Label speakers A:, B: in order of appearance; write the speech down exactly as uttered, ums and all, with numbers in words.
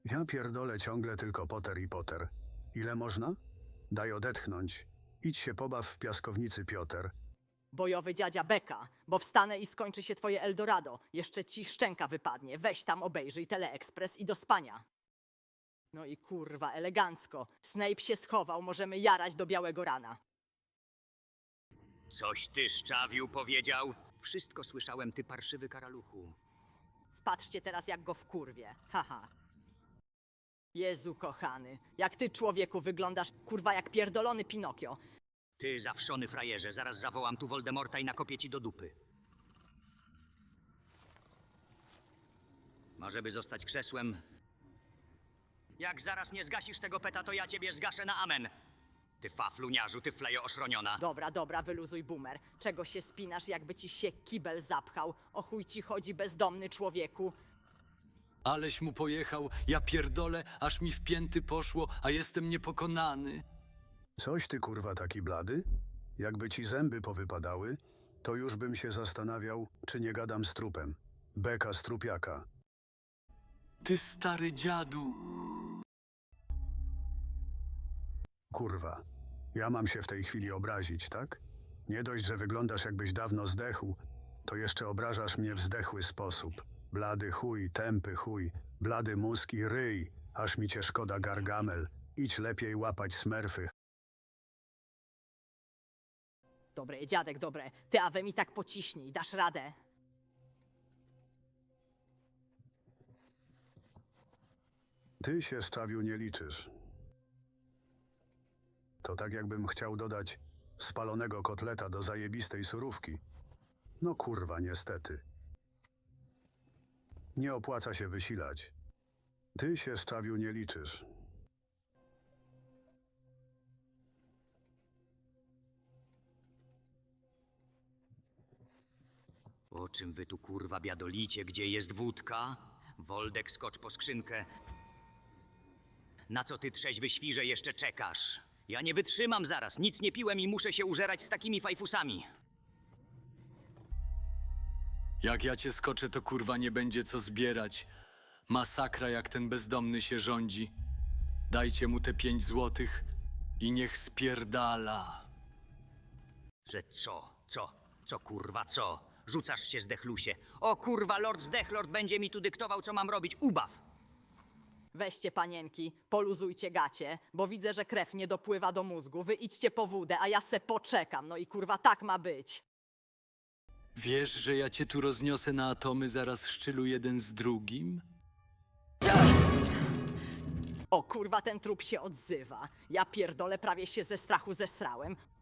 A: Ja pierdolę ciągle tylko Potter i Potter. Ile można? Daj odetchnąć. Idź się pobaw w piaskownicy, Piotr.
B: Bojowy dziadzia Beka, bo wstanę i skończy się twoje Eldorado. Jeszcze ci szczęka wypadnie. Weź tam, obejrzyj Teleekspres i do spania. No i kurwa, elegancko. Snape się schował, możemy jarać do białego rana.
C: Coś ty, szczawiu, powiedział? Wszystko słyszałem, ty parszywy karaluchu.
B: Patrzcie teraz, jak go wkurwie. Haha. Jezu kochany, jak ty, człowieku, wyglądasz, kurwa, jak pierdolony Pinokio.
C: Ty, zawszony frajerze, zaraz zawołam tu Voldemorta i nakopię ci do dupy. Może by zostać krzesłem? Jak zaraz nie zgasisz tego peta, to ja ciebie zgaszę na amen. Ty fafluniarzu, ty flejo oszroniona.
B: Dobra, dobra, wyluzuj, boomer. Czego się spinasz, jakby ci się kibel zapchał? O chuj ci chodzi, bezdomny człowieku?
D: Aleś mu pojechał, ja pierdolę, aż mi w pięty poszło, a jestem niepokonany.
A: Coś ty kurwa taki blady? Jakby ci zęby powypadały, to już bym się zastanawiał, czy nie gadam z trupem. Beka z trupiaka.
D: Ty stary dziadu.
A: Kurwa. Ja mam się w tej chwili obrazić, tak? Nie dość, że wyglądasz jakbyś dawno zdechł, to jeszcze obrażasz mnie w zdechły sposób. Blady chuj, tępy chuj, blady mózg i ryj, aż mi cię szkoda, Gargamel. Idź lepiej łapać smerfy.
B: Dobre, dziadek, dobre. Ty, Awe, mi tak pociśnij, dasz radę.
A: Ty się, szczawiu, nie liczysz. To tak jakbym chciał dodać spalonego kotleta do zajebistej surówki. No kurwa, niestety. Nie opłaca się wysilać. Ty się, szczawiu, nie liczysz.
C: O czym wy tu kurwa biadolicie? Gdzie jest wódka? Woldek, skocz po skrzynkę. Na co ty, trzeźwy świrze, jeszcze czekasz? Ja nie wytrzymam zaraz, nic nie piłem i muszę się użerać z takimi fajfusami.
D: Jak ja cię skoczę, to kurwa nie będzie co zbierać. Masakra, jak ten bezdomny się rządzi. Dajcie mu te pięć złotych i niech spierdala.
C: Że co? Co? Co kurwa, co? Rzucasz się, zdechlusie. O kurwa, lord zdechlord będzie mi tu dyktował, co mam robić. Ubaw!
B: Weźcie, panienki, poluzujcie gacie, bo widzę, że krew nie dopływa do mózgu. Wy idźcie po wódę, a ja se poczekam. No i kurwa, tak ma być.
D: Wiesz, że ja cię tu rozniosę na atomy zaraz szczylu jeden z drugim?
B: O kurwa, ten trup się odzywa. Ja pierdolę, prawie się ze strachu zesrałem.